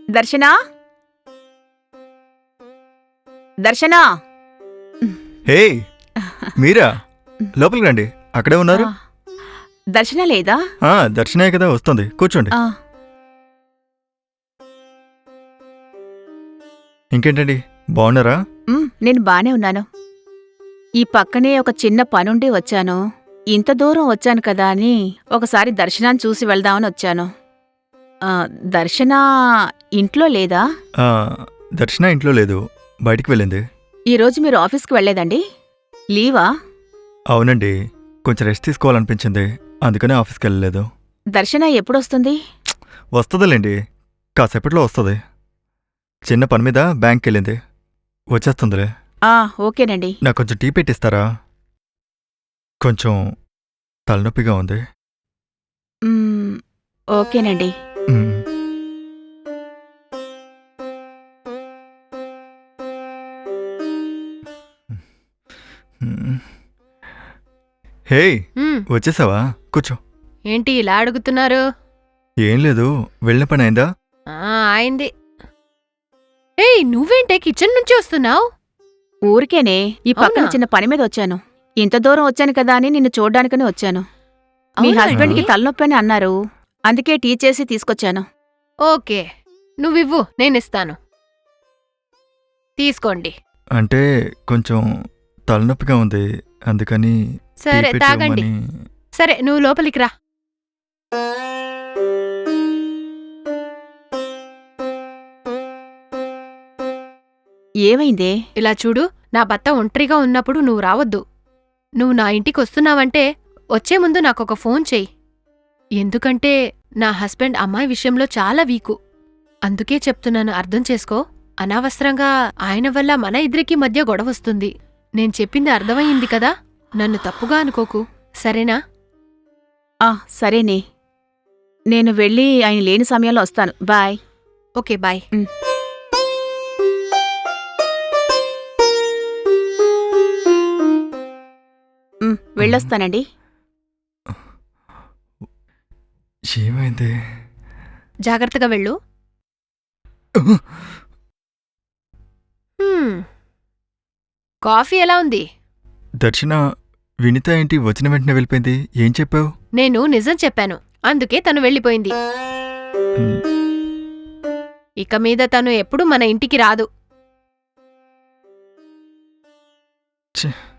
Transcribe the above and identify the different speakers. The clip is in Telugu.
Speaker 1: దర్శనా దర్శనా
Speaker 2: హే మీరా లోపలికి రండి. అక్కడే ఉన్నారు.
Speaker 1: దర్శన లేదా?
Speaker 2: దర్శనే కదా వస్తుంది, కూర్చోండి. ఇంకేంటండి, బాగున్నారా?
Speaker 1: నేను బానే ఉన్నాను. ఈ పక్కనే ఒక చిన్న పనుండి వచ్చాను. ఇంత దూరం వచ్చాను కదా అని ఒకసారి దర్శనాన్ని చూసి వెళ్దామని వచ్చాను. దర్శన ఇంట్లో లేదా?
Speaker 2: దర్శన ఇంట్లో లేదు, బయటికి వెళ్ళింది.
Speaker 1: ఈరోజు మీరు ఆఫీస్కి వెళ్లేదండి? లీవా?
Speaker 2: అవునండి, కొంచెం రెస్ట్ తీసుకోవాలనిపించింది, అందుకనే ఆఫీస్కి వెళ్ళలేదు.
Speaker 1: దర్శన ఎప్పుడొస్తుంది?
Speaker 2: వస్తుందిలేండి, కాసేపట్లో వస్తుంది. చిన్న పని మీద బ్యాంక్కి వెళ్ళింది, వచ్చేస్తుందిలే.
Speaker 1: ఓకేనండి.
Speaker 2: నాకు కొంచెం టీ పెట్టిస్తారా? కొంచెం తలనొప్పిగా ఉంది.
Speaker 1: ఓకేనండి.
Speaker 2: హే, వచ్చేసావా? కూర్చో.
Speaker 3: ఏంటి ఇలా అడుగుతున్నారు?
Speaker 2: ఏం లేదు, వెళ్ళిన పని అయిందా?
Speaker 3: అయింది. ఏయ్, నువ్వేంటే కిచెన్ నుంచి వస్తున్నావు?
Speaker 1: ఊరికేనే ఈ పక్కన చిన్న పని మీద వచ్చాను. ఇంత దూరం వచ్చాను కదా అని నిన్ను చూడ్డానికని వచ్చాను. మీ హస్బెండ్కి తలనొప్పి అని అన్నారు, అందుకే టీ చేసి తీసుకొచ్చాను.
Speaker 3: ఓకే, నువ్వివ్వు, నేనిస్తాను. తీసుకోండి.
Speaker 2: అంటే కొంచెం తలనొప్పిగా ఉంది, అందుకని.
Speaker 3: సరే, తాగండి. సరే, నువ్వు లోపలికి రా.
Speaker 1: ఏమైందే?
Speaker 3: ఇలా చూడు, నా భర్త ఒంటరిగా ఉన్నప్పుడు నువ్వు రావద్దు. నువ్వు నా ఇంటికొస్తున్నావంటే వచ్చే ముందు నాకొక ఫోన్ చెయ్యి. ఎందుకంటే నా హస్బెండ్ అమ్మాయి విషయంలో చాలా వీకు. అందుకే చెప్తున్నాను, అర్థం చేసుకో. అనవసరంగా ఆయన వల్ల మన ఇద్దరికీ మధ్య గొడవొస్తుంది. నేను చెప్పింది అర్థమయ్యింది కదా? నన్ను తప్పుగా అనుకోకు, సరేనా?
Speaker 1: సరేనే. నేను వెళ్ళి ఆయన లేని సమయంలో వస్తాను. బాయ్.
Speaker 3: Okay, bye.
Speaker 1: వెళ్ళొస్తానండి.
Speaker 2: ఏమైంది?
Speaker 3: జాగ్రత్తగా వెళ్ళు. కాఫీ ఎలా ఉంది?
Speaker 2: దర్శన, వినిత ఏంటి వచ్చిన వెంటనే వెళ్ళిపోయింది? ఏం చెప్పావు?
Speaker 3: నేను నిజం చెప్పాను, అందుకే తను వెళ్ళిపోయింది. ఇక మీద తను ఎప్పుడు మన ఇంటికి రాదు.